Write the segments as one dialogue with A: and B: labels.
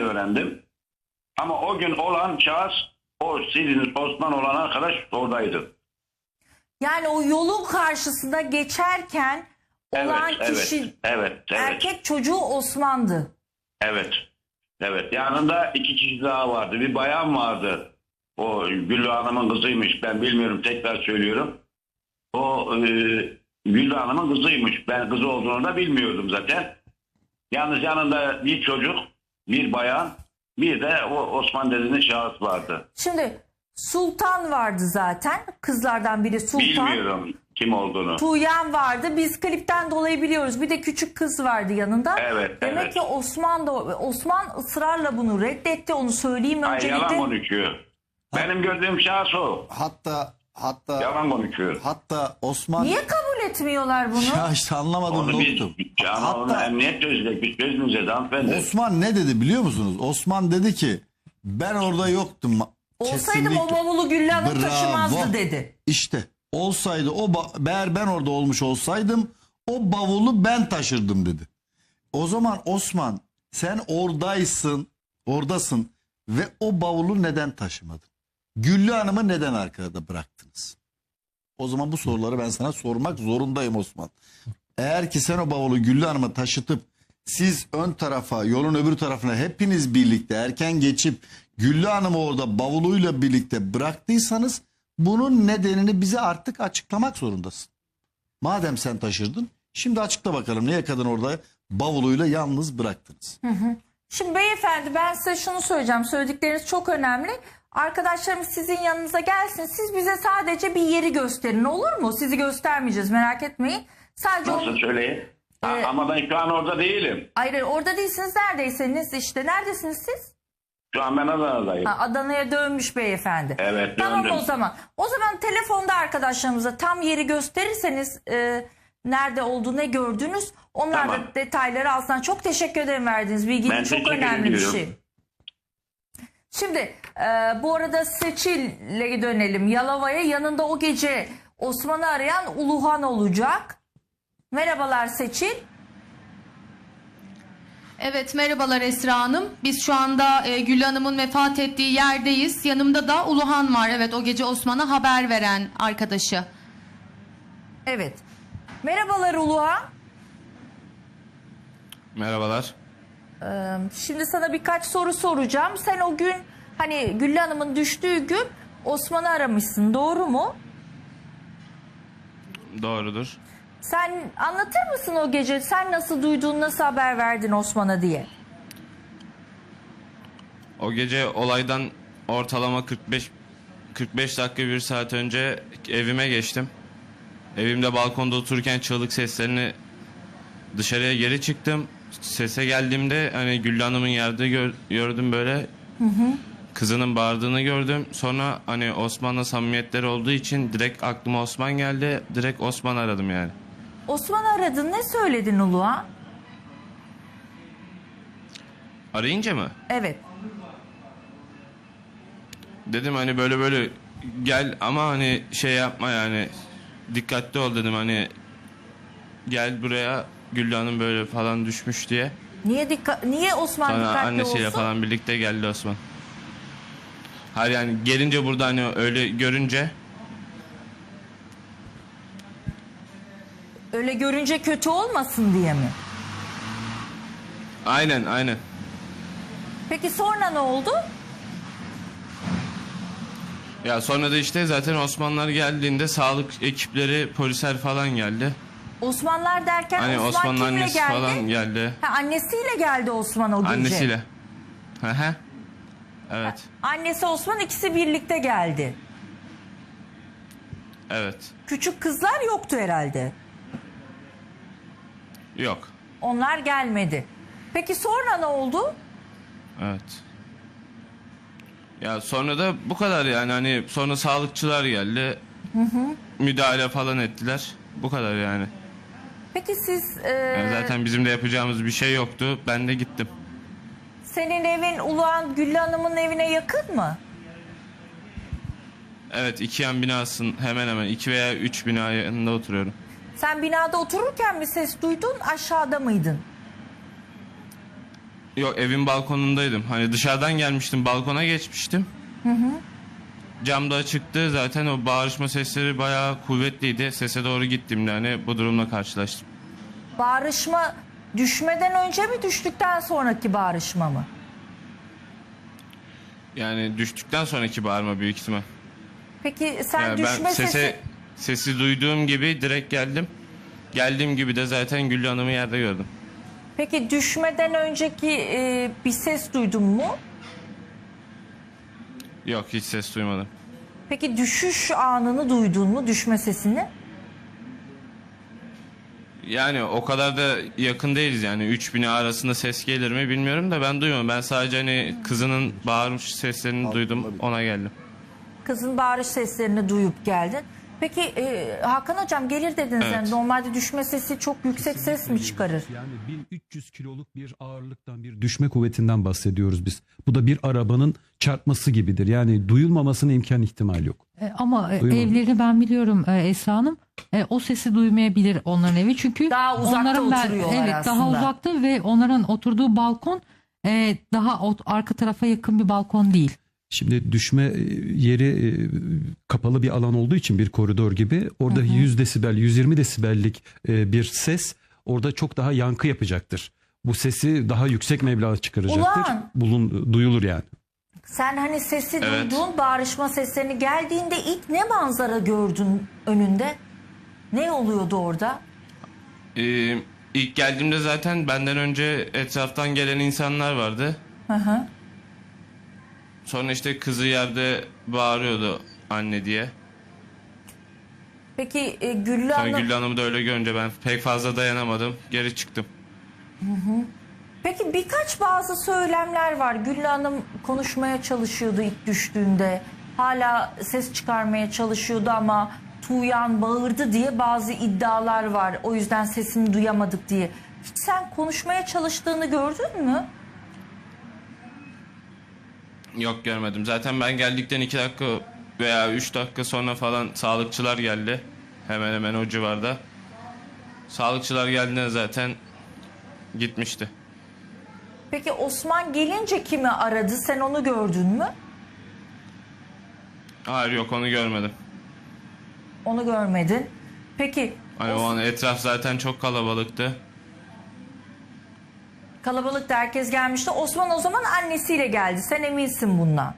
A: öğrendim. Ama o gün olan şahıs o sizin Osman olan arkadaş oradaydı.
B: Yani o yolun karşısında geçerken olan kişi
A: evet.
B: erkek çocuğu Osman'dı.
A: Evet. Evet. Yanında 2 kişi daha vardı. Bir bayan vardı. O Güllü Hanım'ın kızıymış. Ben bilmiyorum. Tekrar söylüyorum. O Güllü Hanım'ın kızıymış. Ben kızı olduğunu da bilmiyordum zaten. Yalnız yanında bir çocuk, bir bayan, bir de o Osman dediğiniz şahıs vardı.
B: Şimdi Sultan vardı zaten. Kızlardan biri Sultan.
A: Bilmiyorum kim olduğunu.
B: Tuğyan vardı. Biz klipten dolayı biliyoruz. Bir de küçük kız vardı yanında.
A: Evet,
B: Demek
A: evet.
B: ki Osman ısrarla bunu reddetti. Onu söyleyeyim
A: Ay,
B: öncelikle.
A: yalan konuşuyor. Benim gördüğüm şahıs o.
C: Hatta
A: Yalan konuşuyor.
C: hatta Osman
B: Niye kabul etmiyorlar bunu?
C: ya işte anlamadım
A: Onu biz
C: dostum.
A: onu emniyet çözecek. Biz çözmeyeceğiz hanımefendi.
C: Osman ne dedi biliyor musunuz? Osman dedi ki ben orada yoktum.
B: Olsaydım o bavulu Güllü Hanım taşımazdı dedi.
C: İşte olsaydı eğer ben orada olmuş olsaydım o bavulu ben taşırdım dedi. O zaman Osman sen oradasın ve o bavulu neden taşımadın? Güllü Hanım'ı neden arkada bıraktınız? O zaman bu soruları ben sana sormak zorundayım Osman. Eğer ki sen o bavulu Güllü Hanım'a taşıtıp siz ön tarafa yolun öbür tarafına hepiniz birlikte erken geçip Güllü Hanım'ı orada bavuluyla birlikte bıraktıysanız bunun nedenini bize artık açıklamak zorundasın. Madem sen taşırdın şimdi açıkla bakalım niye kadın orada bavuluyla yalnız bıraktınız?
B: Şimdi beyefendi ben size şunu söyleyeceğim. Söyledikleriniz çok önemli. Arkadaşlarımız sizin yanınıza gelsin. Siz bize sadece bir yeri gösterin olur mu? Sizi göstermeyeceğiz merak etmeyin. Sadece
A: Nasıl söyleyin? Ama ben şu an orada değilim.
B: Hayır orada değilsiniz neredeyseniz işte. Neredesiniz siz?
A: Şu an ben Adana'dayım.
B: Adana'ya dönmüş beyefendi.
A: Evet,
B: tamam
A: döndüm.
B: o zaman. O zaman telefonda arkadaşlarımıza tam yeri gösterirseniz nerede olduğunu ne gördünüz. Onlar
A: Tamam.
B: da detayları alsın. Çok teşekkür ederim verdiğiniz bilgi.
A: Ben
B: Çok
A: teşekkür
B: önemli bir
A: ediyorum.
B: şey. Şimdi bu arada Seçil'le dönelim. Yalova'ya yanında o gece Osman'ı arayan Uluhan olacak. Merhabalar Seçil.
D: Evet merhabalar Esra Hanım. Biz şu anda Güllü Hanım'ın vefat ettiği yerdeyiz. Yanımda da Uluhan var. Evet o gece Osman'a haber veren arkadaşı.
B: Evet. Merhabalar Uluhan.
E: Merhabalar.
B: Şimdi sana birkaç soru soracağım. Sen o gün hani Güllü Hanım'ın düştüğü gün Osman'ı aramışsın doğru mu?
E: Doğrudur.
B: Sen anlatır mısın o gece sen nasıl duydun nasıl haber verdin Osman'a diye?
E: O gece olaydan ortalama 45 dakika bir saat önce evime geçtim. Evimde balkonda otururken çığlık seslerini dışarıya geri çıktım. Sese geldiğimde hani Güllü Hanım'ın yerde gördüm böyle. Kızının bağırdığını gördüm. Sonra hani Osman'la samimiyetleri olduğu için direkt aklıma Osman geldi. Direkt Osman aradım yani.
B: Osman'ı aradın ne söyledin Uluhan?
E: Arayınca mı?
B: Evet.
E: Dedim hani böyle gel ama hani şey yapma yani dikkatli ol dedim hani gel buraya Güllü Hanım böyle falan düşmüş diye.
B: Niye Osman
E: Sonra
B: dikkatli
E: annesiyle
B: olsun?
E: falan birlikte geldi Osman. Hayır yani gelince burada hani öyle görünce
B: Öyle görünce kötü olmasın diye mi?
E: aynen.
B: Peki sonra ne oldu?
E: Ya sonra da işte zaten Osmanlılar geldiğinde sağlık ekipleri polisler falan geldi.
B: Osmanlar derken
E: Hani
B: Osman
E: Osman'ın
B: kimle
E: annesi
B: geldi?
E: falan geldi.
B: Ha, annesiyle geldi Osman o gece.
E: Annesiyle. Hı. Evet.
B: Annesi Osman ikisi birlikte geldi.
E: Evet.
B: Küçük kızlar yoktu herhalde.
E: Yok.
B: Onlar gelmedi. Peki sonra ne oldu?
E: Evet. Ya sonra da bu kadar yani hani sonra sağlıkçılar geldi. Müdahale falan ettiler. Bu kadar yani.
B: Peki siz
E: Yani zaten bizim de yapacağımız bir şey yoktu. Ben de gittim.
B: senin evin Uluhan Güllü Hanım'ın evine yakın mı?
E: Evet 2 yan binasın hemen hemen 2 veya 3 bina yanında oturuyorum.
B: Sen binada otururken mi ses duydun aşağıda mıydın?
E: Yok, evin balkonundaydım. Hani dışarıdan gelmiştim, balkona geçmiştim. Cam da açıktı. Zaten o bağırışma sesleri bayağı kuvvetliydi. Sese doğru gittiğimde hani bu durumla karşılaştım.
B: Bağırışma düşmeden önce mi, düştükten sonraki bağırışma mı?
E: Yani düştükten sonraki bağırma büyük ihtimal.
B: Peki sen
E: Yani
B: düşme
E: ben
B: sesi...
E: sesi duyduğum gibi direkt geldim. Geldiğim gibi de zaten Güllü Hanım'ı yerde gördüm.
B: Peki düşmeden önceki bir ses duydun mu?
E: Yok, hiç ses duymadım.
B: Peki düşüş anını duydun mu, düşme sesini?
E: Yani o kadar da yakın değiliz yani. 3 bina arasında ses gelir mi bilmiyorum da ben duymadım. Ben sadece hani kızının bağırmış seslerini duydum, ona geldim.
B: Kızın bağırış seslerini duyup geldin. Peki Hakan Hocam gelir dediniz.
E: Evet.
B: Yani normalde düşme sesi çok yüksek ses mi çıkarır?
F: Yani 1300 kiloluk bir ağırlıktan, bir düşme kuvvetinden bahsediyoruz biz. Bu da bir arabanın çarpması gibidir. Yani duyulmamasına imkan ihtimal yok.
G: Ama
F: Duymadım.
G: evlerini ben biliyorum Esra Hanım. O sesi duymayabilir onların evi. Çünkü
B: Daha uzakta
G: onların
B: oturuyorlar
G: evet,
B: aslında.
G: daha uzakta ve onların oturduğu balkon daha arka tarafa yakın bir balkon değil.
F: Şimdi düşme yeri kapalı bir alan olduğu için, bir koridor gibi, orada 100 desibel, 120 desibellik bir ses orada çok daha yankı yapacaktır. Bu sesi daha yüksek meblağ çıkaracaktır. Duyulur yani.
B: Sen hani sesi
E: Evet.
B: duyduğun bağırışma seslerini, geldiğinde ilk ne manzara gördün önünde? Ne oluyordu orada?
E: İlk geldiğimde zaten benden önce etraftan gelen insanlar vardı.
B: Hı hı.
E: Sonra işte kızı yerde bağırıyordu anne diye.
B: Peki Güllü
E: Sonra
B: Hanım...
E: Güllü Hanım'ı da öyle görünce ben pek fazla dayanamadım. Geri çıktım.
B: Peki bazı söylemler var. Güllü Hanım konuşmaya çalışıyordu ilk düştüğünde. Hala ses çıkarmaya çalışıyordu ama Tuğyan bağırdı diye bazı iddialar var. O yüzden sesini duyamadık diye. Hiç sen konuşmaya çalıştığını gördün mü?
E: Yok, görmedim. Zaten ben geldikten 2 dakika veya 3 dakika sonra falan sağlıkçılar geldi. Hemen hemen o civarda. Sağlıkçılar geldiğinde zaten gitmişti.
B: Peki Osman gelince kimi aradı? Sen onu gördün mü?
E: Hayır, yok, onu görmedim.
B: Onu görmedin. Peki
E: Hani o an etraf zaten çok kalabalıktı.
B: kalabalıkta herkes gelmişti. Osman o zaman annesiyle geldi. Sen eminsin bundan.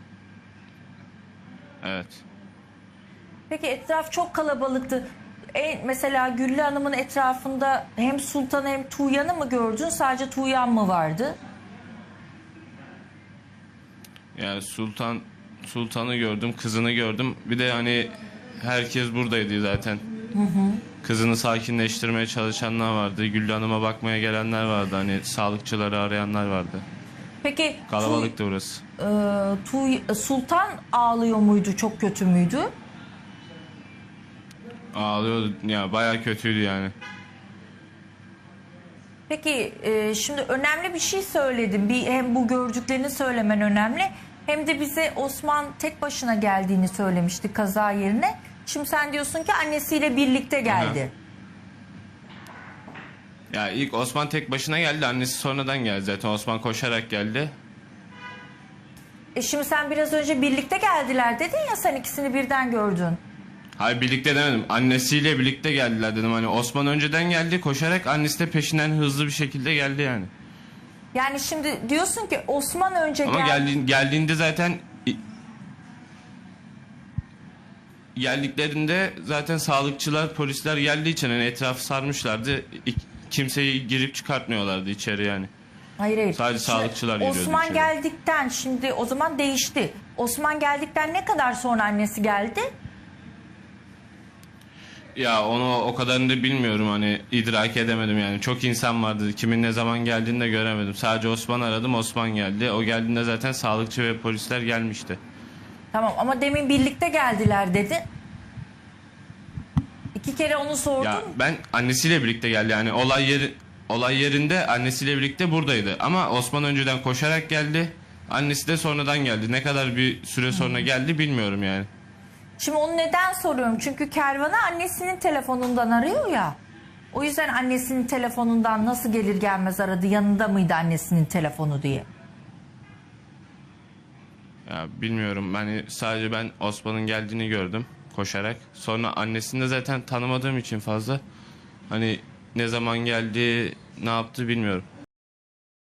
E: Evet.
B: Peki etraf çok kalabalıktı. Mesela Güllü Hanım'ın etrafında hem Sultan hem Tuğyan'ı mı gördün? Sadece Tuğyan mı vardı?
E: Yani Sultan'ı gördüm, kızını gördüm. Bir de hani herkes buradaydı zaten. Kızını sakinleştirmeye çalışanlar vardı. Güllü Hanım'a bakmaya gelenler vardı. Hani sağlıkçıları arayanlar vardı.
B: Peki
E: Kalabalıktı burası.
B: Sultan ağlıyor muydu? Çok kötü müydü?
E: Ağlıyordu. Ya bayağı kötüydü yani.
B: Peki şimdi önemli bir şey söyledim. Hem bu gördüklerini söylemen önemli. Hem de bize Osman tek başına geldiğini söylemişti kaza yerine. Şimdi sen diyorsun ki annesiyle birlikte geldi.
E: Ya ilk Osman tek başına geldi. Annesi sonradan geldi zaten. Osman koşarak geldi.
B: Şimdi sen biraz önce birlikte geldiler dedin ya, sen ikisini birden gördün.
E: Hayır, birlikte demedim. Annesiyle birlikte geldiler dedim. Hani Osman önceden geldi koşarak, annesi de peşinden hızlı bir şekilde geldi yani.
B: Yani şimdi diyorsun ki Osman önce
E: Ama geldiğinde zaten geldiklerinde zaten sağlıkçılar, polisler geldiği için hani etrafı sarmışlardı. Kimseyi girip çıkartmıyorlardı içeri yani.
B: Hayır.
E: Sadece
B: Şimdi
E: sağlıkçılar giriyordu
B: Osman
E: içeri.
B: geldikten, şimdi o zaman değişti. Osman geldikten ne kadar sonra annesi geldi?
E: Ya onu o kadarını da bilmiyorum, hani idrak edemedim yani. Çok insan vardı. Kimin ne zaman geldiğini de göremedim. Sadece Osman'ı aradım, Osman geldi. O geldiğinde zaten sağlıkçı ve polisler gelmişti.
B: Tamam ama demin birlikte geldiler dedi. 2 kere onu sordum.
E: Ya ben annesiyle birlikte geldi yani, olay yerinde annesiyle birlikte buradaydı. Ama Osman önceden koşarak geldi. Annesi de sonradan geldi. Ne kadar bir süre sonra geldi bilmiyorum yani.
B: Şimdi onu neden soruyorum? Çünkü Kervan'ı annesinin telefonundan arıyor ya. O yüzden annesinin telefonundan nasıl gelir gelmez aradı, yanında mıydı annesinin telefonu diye.
E: Ya bilmiyorum. Hani sadece ben Osman'ın geldiğini gördüm koşarak. Sonra annesini de zaten tanımadığım için fazla. Hani ne zaman geldi, ne yaptı bilmiyorum.